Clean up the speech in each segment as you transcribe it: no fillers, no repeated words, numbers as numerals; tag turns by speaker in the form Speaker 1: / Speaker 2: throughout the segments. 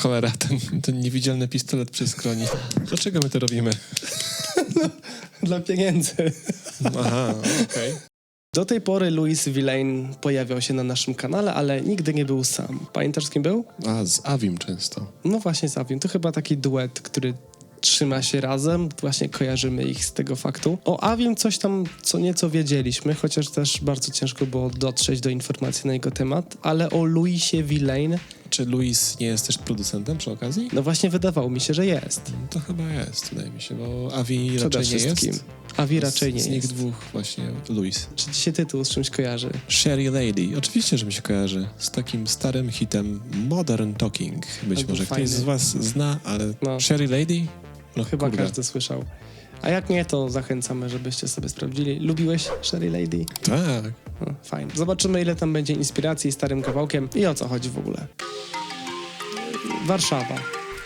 Speaker 1: Cholera, ten niewidzialny pistolet przy skroni. Dlaczego my to robimy?
Speaker 2: Dla pieniędzy.
Speaker 1: Aha, okej.
Speaker 2: Do tej pory Louis Villain pojawiał się na naszym kanale, ale nigdy nie był sam. Pamiętasz, z kim był?
Speaker 1: A, z Avim często.
Speaker 2: No właśnie z Avim. To chyba taki duet, który trzyma się razem. Właśnie kojarzymy ich z tego faktu. O Avim coś tam co nieco wiedzieliśmy, chociaż też bardzo ciężko było dotrzeć do informacji na jego temat. Ale o Louisie Villain...
Speaker 1: Czy Louis nie jest też producentem przy okazji?
Speaker 2: No właśnie wydawało mi się, że jest.
Speaker 1: To chyba jest, wydaje mi się, bo Avi
Speaker 2: Przede
Speaker 1: raczej nie
Speaker 2: wszystkim.
Speaker 1: jest.
Speaker 2: Avi raczej nie
Speaker 1: Z nich
Speaker 2: jest.
Speaker 1: dwóch właśnie Louis.
Speaker 2: Czy ci się tytuł z czymś kojarzy?
Speaker 1: Sherry Lady. Oczywiście, że mi się kojarzy. Z takim starym hitem Modern Talking. Być
Speaker 2: Albo
Speaker 1: może
Speaker 2: fajny.
Speaker 1: ktoś z was zna, ale
Speaker 2: No.
Speaker 1: Sherry Lady? No
Speaker 2: Chyba
Speaker 1: kurde.
Speaker 2: każdy słyszał. A jak nie, to zachęcamy, żebyście sobie sprawdzili. Lubiłeś Sherry Lady?
Speaker 1: Tak.
Speaker 2: No, fajnie. Zobaczymy, ile tam będzie inspiracji starym kawałkiem i o co chodzi w ogóle. Warszawa.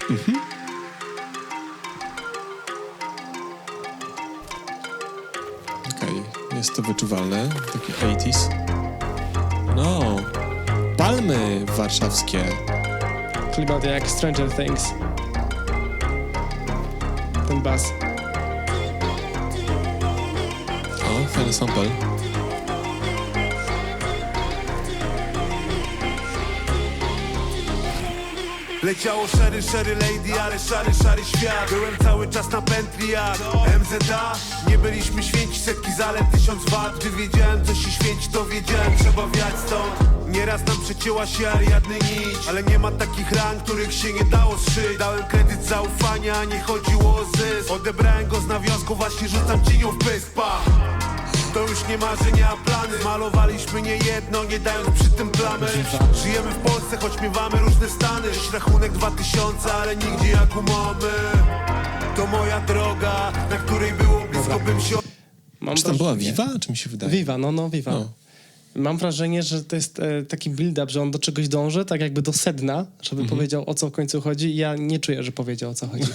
Speaker 1: Okej, jest to wyczuwalne. Takie 80s. No, palmy warszawskie.
Speaker 2: Klimat jak Stranger Things. Ten bas.
Speaker 1: O, fajny sample.
Speaker 3: Leciało szary, szary lady, ale szary, szary świat. Byłem cały czas na pętli jak MZA. Nie byliśmy święci, setki zalet, 1000 wat. Gdy wiedziałem, co się święci, to wiedziałem, trzeba wiać stąd. Nieraz nam przecięła się Ariadny nić, ale nie ma takich ran, których się nie dało zszyć. Dałem kredyt zaufania, a nie chodziło o zysk. Odebrałem go z nawiązku, właśnie rzucam cienią w pysk, pa. To już nie marzenia, a plany. Malowaliśmy nie jedno, nie dając przy tym plamy. Żyjemy w Polsce, choć miewamy różne stany. Dziś rachunek 2000, ale nigdzie jak umowy. To moja droga, na której było blisko bym się...
Speaker 2: Mam
Speaker 1: Czy tam była
Speaker 2: wrażenie-
Speaker 1: Viva? Czy mi się wydaje?
Speaker 2: Viva, no Viva.
Speaker 1: No.
Speaker 2: Mam wrażenie, że to jest taki build-up, że on do czegoś dąży, tak jakby do sedna, żeby powiedział, o co w końcu chodzi. I ja nie czuję, że powiedział, o co chodzi.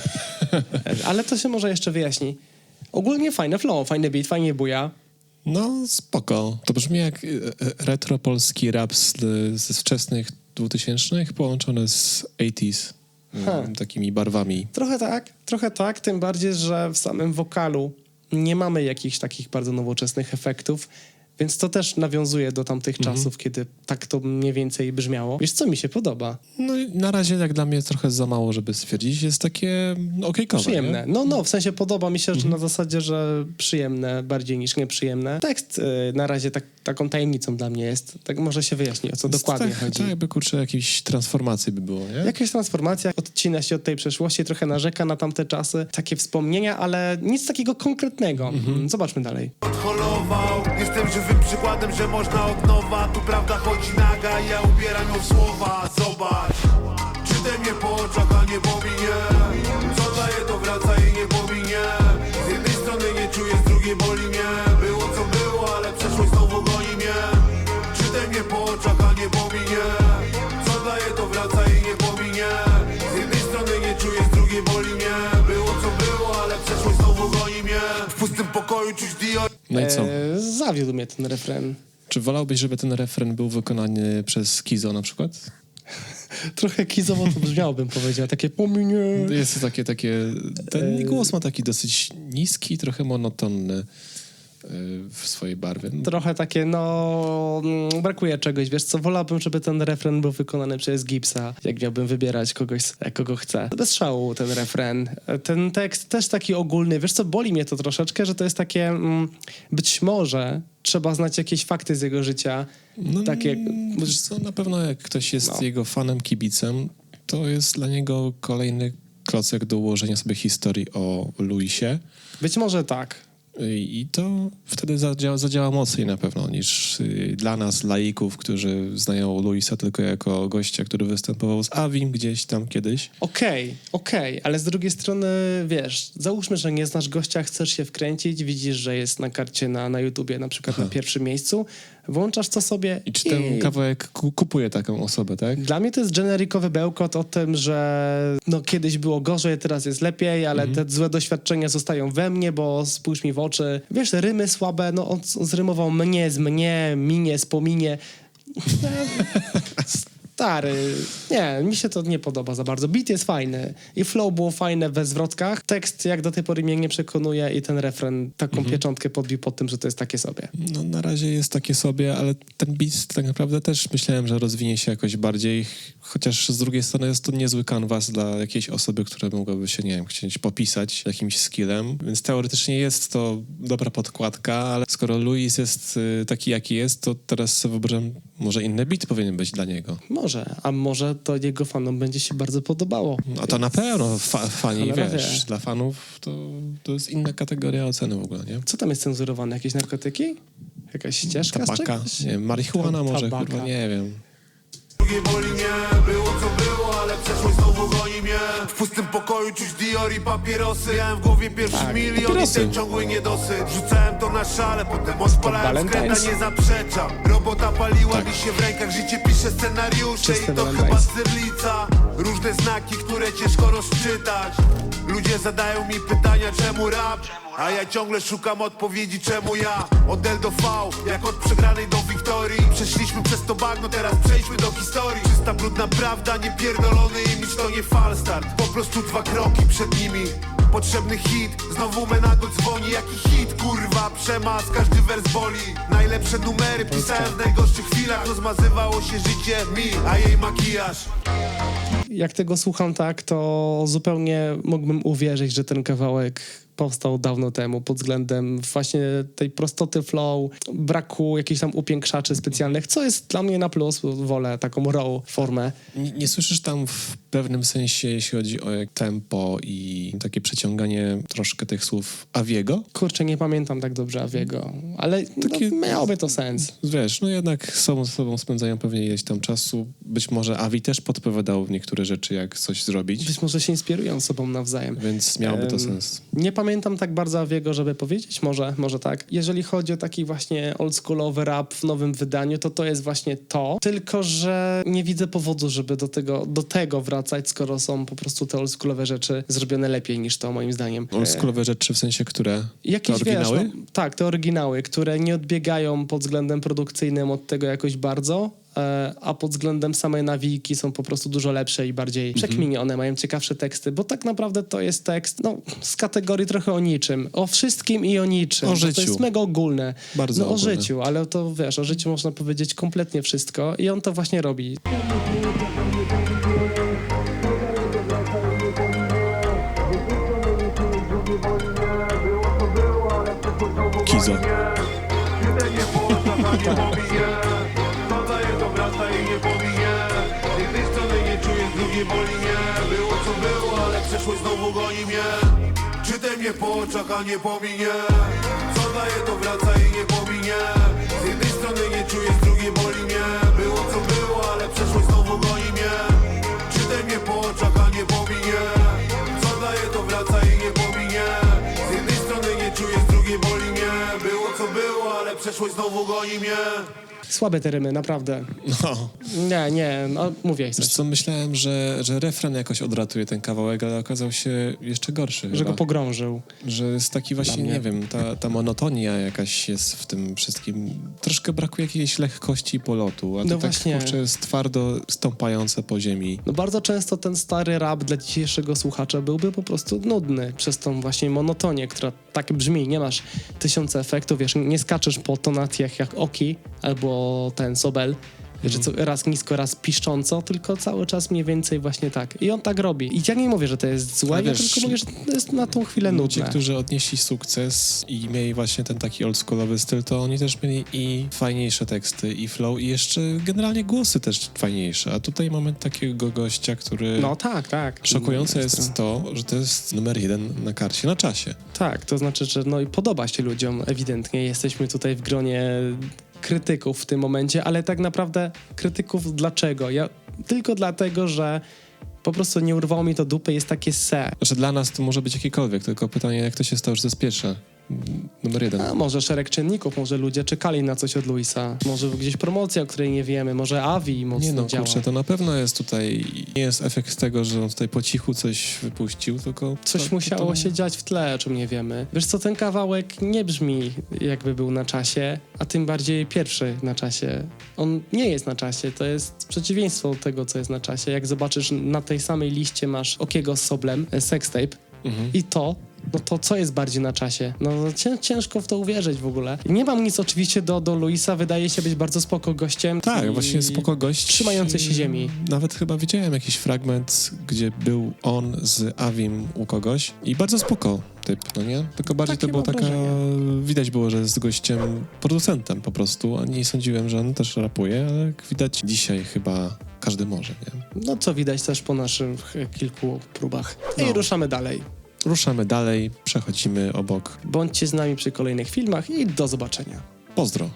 Speaker 2: Ale to się może jeszcze wyjaśni. Ogólnie fajne flow, fajny beat, fajnie buja.
Speaker 1: No, spoko. To brzmi jak retro polski rap ze wczesnych 2000 połączone z 80s. Takimi barwami.
Speaker 2: Trochę tak, tym bardziej, że w samym wokalu nie mamy jakichś takich bardzo nowoczesnych efektów, więc to też nawiązuje do tamtych czasów, kiedy tak to mniej więcej brzmiało. Wiesz, co mi się podoba?
Speaker 1: No i na razie jak dla mnie trochę za mało, żeby stwierdzić. Jest takie okejkowe.
Speaker 2: Przyjemne.
Speaker 1: Nie?
Speaker 2: No, w sensie podoba mi się, że na zasadzie, że przyjemne bardziej niż nieprzyjemne. Tekst na razie taką tajemnicą dla mnie jest. Tak może się wyjaśni, o co dokładnie
Speaker 1: tak,
Speaker 2: chodzi.
Speaker 1: Tak jakby, kurczę, jakiejś transformacji by było, nie?
Speaker 2: Jakaś transformacja, odcina się od tej przeszłości, trochę narzeka na tamte czasy, takie wspomnienia, ale nic takiego konkretnego. Zobaczmy dalej.
Speaker 3: Odholował. Jestem żywym przykładem, że można od nowa. Tu prawda chodzi naga i ja ubieram ją w słowa. Zobacz, czytaj mnie po oczach, a nie po minie. Co daje, to wraca i nie pominie. Z jednej strony nie czuję, z drugiej boli mnie. Było co było, ale przeszłość znowu goni mnie. Czytaj mnie po oczach, a nie po minie. Co daje, to wraca i nie pominie. Z jednej strony nie czuję, z drugiej boli mnie. Było co było, ale przeszłość znowu goni mnie. W pustym pokoju czuć Dio.
Speaker 1: No i co?
Speaker 2: Zawiódł mnie ten refren.
Speaker 1: Czy wolałbyś, żeby ten refren był wykonany przez Kizo na przykład?
Speaker 2: Trochę kizowo to brzmiało, bym powiedział. Takie pominie.
Speaker 1: Jest to takie... Ten głos ma taki dosyć niski, trochę monotonny w swojej barwie.
Speaker 2: Trochę takie, brakuje czegoś, wiesz co, wolałbym, żeby ten refren był wykonany przez Gipsa, jak miałbym wybierać kogoś, kogo chcę. Bez szału ten refren. Ten tekst też taki ogólny, wiesz co, boli mnie to troszeczkę, że to jest takie, być może trzeba znać jakieś fakty z jego życia, takie...
Speaker 1: Wiesz co, na pewno jak ktoś jest
Speaker 2: No.
Speaker 1: jego fanem, kibicem, to jest dla niego kolejny klocek do ułożenia sobie historii o Louisie.
Speaker 2: Być może tak.
Speaker 1: I to wtedy zadziała mocniej na pewno niż dla nas, laików, którzy znają Louisa tylko jako gościa, który występował z Avim gdzieś tam kiedyś.
Speaker 2: Okej, ale z drugiej strony, wiesz, załóżmy, że nie znasz gościa, chcesz się wkręcić, widzisz, że jest na karcie na YouTubie, na przykład na pierwszym miejscu, włączasz to sobie
Speaker 1: I czy ten kawałek kupuje taką osobę, tak?
Speaker 2: Dla mnie to jest generikowy bełkot o tym, że kiedyś było gorzej, teraz jest lepiej, ale te złe doświadczenia zostają we mnie, bo spójrz mi w oczy. Wiesz, rymy słabe, on zrymował mnie z mnie, minie z pominie. Stary, nie, mi się to nie podoba za bardzo. Beat jest fajny i flow było fajne we zwrotkach. Tekst jak do tej pory mnie nie przekonuje i ten refren taką pieczątkę podbił pod tym, że to jest takie sobie.
Speaker 1: No na razie jest takie sobie, ale ten beat tak naprawdę też myślałem, że rozwinie się jakoś bardziej, chociaż z drugiej strony jest to niezły kanwas dla jakiejś osoby, która mogłaby się, nie wiem, chcieć popisać jakimś skillem, więc teoretycznie jest to dobra podkładka, ale skoro Luis jest taki, jaki jest, to teraz sobie wyobrażam, może inny beat powinien być dla niego.
Speaker 2: Może, a może to jego fanom będzie się bardzo podobało.
Speaker 1: A to na pewno fani,
Speaker 2: Cholera
Speaker 1: wiesz,
Speaker 2: wie.
Speaker 1: dla fanów to jest inna kategoria oceny w ogóle, nie?
Speaker 2: Co tam jest cenzurowane? Jakieś narkotyki? Jakaś ścieżka z
Speaker 1: Tabaka,
Speaker 2: czegoś?
Speaker 1: nie wiem, marihuana może,
Speaker 2: Tabaka.
Speaker 1: kurwa, nie wiem.
Speaker 3: Drugie boli mnie, było co było, ale przeszłość znowu goni mnie. W pustym pokoju czuć Dior i papierosy. Miałem w głowie pierwszy
Speaker 2: Tak,
Speaker 3: milion
Speaker 1: papierosy.
Speaker 3: i ten ciągły niedosyt. Wrzucałem to na szale, potem odpalałem skręta,
Speaker 2: Valentine's.
Speaker 3: nie zaprzeczam. Robota paliła
Speaker 1: Tak.
Speaker 3: mi się w rękach, życie pisze scenariusze
Speaker 2: Czyste
Speaker 3: i to
Speaker 2: Valentine's.
Speaker 3: chyba cyrlica. Różne znaki, które ciężko rozczytać. Ludzie zadają mi pytania, czemu rap? A ja ciągle szukam odpowiedzi, czemu ja? Od L do V, jak od przegranej do wiktorii. Przeszliśmy przez to bagno, teraz przejdźmy do historii. Czysta, brudna prawda, niepierdolony imidż, to nie falstart. Po prostu 2 kroki przed nimi. Potrzebny hit, znowu Menado dzwoni. Jaki hit, kurwa, przemas, każdy wers boli. Najlepsze numery pisałem w najgorszych chwilach. Rozmazywało się życie mi, a jej makijaż.
Speaker 2: Jak tego słucham tak, to zupełnie mógłbym uwierzyć, że ten kawałek powstał dawno temu pod względem właśnie tej prostoty flow, braku jakichś tam upiększaczy specjalnych, co jest dla mnie na plus, bo wolę taką raw formę.
Speaker 1: Nie słyszysz tam w pewnym sensie, jeśli chodzi o tempo i takie przeciąganie troszkę tych słów Aviego?
Speaker 2: Kurczę, nie pamiętam tak dobrze Aviego, ale
Speaker 1: Takie-
Speaker 2: no, miałoby to sens.
Speaker 1: Wiesz, no jednak z sobą spędzają pewnie ileś tam czasu. Być może Avi też podpowiadał niektóre rzeczy, jak coś zrobić,
Speaker 2: Być może się inspirują sobą nawzajem.
Speaker 1: więc miałoby to sens.
Speaker 2: Nie pamiętam tak bardzo Aviego, żeby powiedzieć, może tak. Jeżeli chodzi o taki właśnie oldschoolowy rap w nowym wydaniu, to jest właśnie to, tylko że nie widzę powodu, żeby do tego wracać, skoro są po prostu te oldschoolowe rzeczy zrobione lepiej niż to, moim zdaniem.
Speaker 1: Oldschoolowe rzeczy w sensie, które?
Speaker 2: Jakieś,
Speaker 1: te oryginały?
Speaker 2: Wiesz, no, tak, te oryginały, które nie odbiegają pod względem produkcyjnym od tego jakoś bardzo, a pod względem samej nawijki są po prostu dużo lepsze i bardziej przekminione, mają ciekawsze teksty, bo tak naprawdę to jest tekst z kategorii trochę o niczym, o wszystkim i o niczym.
Speaker 1: O
Speaker 2: Bo
Speaker 1: życiu.
Speaker 2: To jest mega ogólne.
Speaker 1: Bardzo
Speaker 2: o
Speaker 1: ogólne.
Speaker 2: życiu, ale to wiesz, o życiu można powiedzieć kompletnie wszystko i on to właśnie robi.
Speaker 1: Kizo.
Speaker 3: Nie było taka nie pominie. To daje to wraca i nie pominie. Z jednej strony nie czuję, z drugiej boli mnie. Było co było, ale przeszłość znowu goni mnie. Czytaj mnie po oczach, a nie pominie. Co daje to wraca i nie pominie. Z jednej strony nie czuję, z drugiej boli mnie. Było co było, ale przeszłość znowu goni mnie. Czytaj mnie po oczach, a nie pominie. Co daje to wraca i nie pominie. Z jednej strony nie czuję, z drugiej boli mnie. Było co było, ale przeszłość znowu goni mnie.
Speaker 2: Słabe te rymy, naprawdę.
Speaker 1: No.
Speaker 2: Nie, no mówię
Speaker 1: Wiesz
Speaker 2: coś.
Speaker 1: co, myślałem, że refren jakoś odratuje ten kawałek, ale okazał się jeszcze gorszy
Speaker 2: Że
Speaker 1: chyba.
Speaker 2: go pogrążył.
Speaker 1: Że jest taki właśnie,
Speaker 2: mnie.
Speaker 1: nie wiem, ta monotonia jakaś jest w tym wszystkim. Troszkę brakuje jakiejś lekkości polotu, a to
Speaker 2: No
Speaker 1: tak
Speaker 2: właśnie.
Speaker 1: kurczę jest twardo stąpające po ziemi.
Speaker 2: No bardzo często ten stary rap dla dzisiejszego słuchacza byłby po prostu nudny przez tą właśnie monotonię, która tak brzmi, nie masz 1000 efektów, wiesz, nie skaczesz po tonacjach jak Oki albo ten Sobel, że co, raz nisko, raz piszcząco, tylko cały czas mniej więcej właśnie tak. I on tak robi. I ja nie mówię, że to jest złe,
Speaker 1: Ale
Speaker 2: ja
Speaker 1: wiesz,
Speaker 2: tylko mówię, że to jest na tą chwilę
Speaker 1: Ludzie,
Speaker 2: nudne.
Speaker 1: którzy odnieśli sukces i mieli właśnie ten taki oldschoolowy styl, to oni też mieli i fajniejsze teksty, i flow, i jeszcze generalnie głosy też fajniejsze. A tutaj mamy takiego gościa, który...
Speaker 2: No tak.
Speaker 1: Szokujące jest to, że to jest numer 1 na karcie na czasie.
Speaker 2: Tak, to znaczy, że no i podoba się ludziom ewidentnie. Jesteśmy tutaj w gronie krytyków w tym momencie, ale tak naprawdę krytyków dlaczego? Tylko dlatego, że po prostu nie urwało mi to dupy, jest takie se.
Speaker 1: Że dla nas to może być jakiekolwiek, tylko pytanie, jak to się stało, że to jest pierwsze numer 1.
Speaker 2: A może szereg czynników, może ludzie czekali na coś od Luisa, może gdzieś promocja, o której nie wiemy, może Avi mocno
Speaker 1: Nie no,
Speaker 2: działa.
Speaker 1: kurczę, to na pewno jest tutaj, nie jest efekt tego, że on tutaj po cichu coś wypuścił, tylko...
Speaker 2: Coś
Speaker 1: to-
Speaker 2: musiało
Speaker 1: to-
Speaker 2: się dziać w tle, o czym nie wiemy. Wiesz co, ten kawałek nie brzmi jakby był na czasie, a tym bardziej pierwszy na czasie. On nie jest na czasie, to jest przeciwieństwo tego, co jest na czasie. Jak zobaczysz, na tej samej liście masz Okiego z Soblem, Sextape i to, no to co jest bardziej na czasie? No ciężko w to uwierzyć w ogóle. Nie mam nic oczywiście do Luisa, wydaje się być bardzo spoko gościem.
Speaker 1: Tak,
Speaker 2: i
Speaker 1: właśnie spoko gość.
Speaker 2: trzymający się ziemi.
Speaker 1: Nawet chyba widziałem jakiś fragment, gdzie był on z Avim u kogoś i bardzo spoko typ, no nie? Tylko bardziej
Speaker 2: Takie
Speaker 1: to było
Speaker 2: mam
Speaker 1: taka...
Speaker 2: wrażenie.
Speaker 1: Widać było, że jest gościem, producentem po prostu, a nie sądziłem, że on też rapuje, ale jak widać dzisiaj chyba każdy może, nie?
Speaker 2: No co widać też po naszych kilku próbach.
Speaker 1: No.
Speaker 2: I ruszamy dalej.
Speaker 1: Ruszamy dalej, przechodzimy obok.
Speaker 2: Bądźcie z nami przy kolejnych filmach i do zobaczenia.
Speaker 1: Pozdro.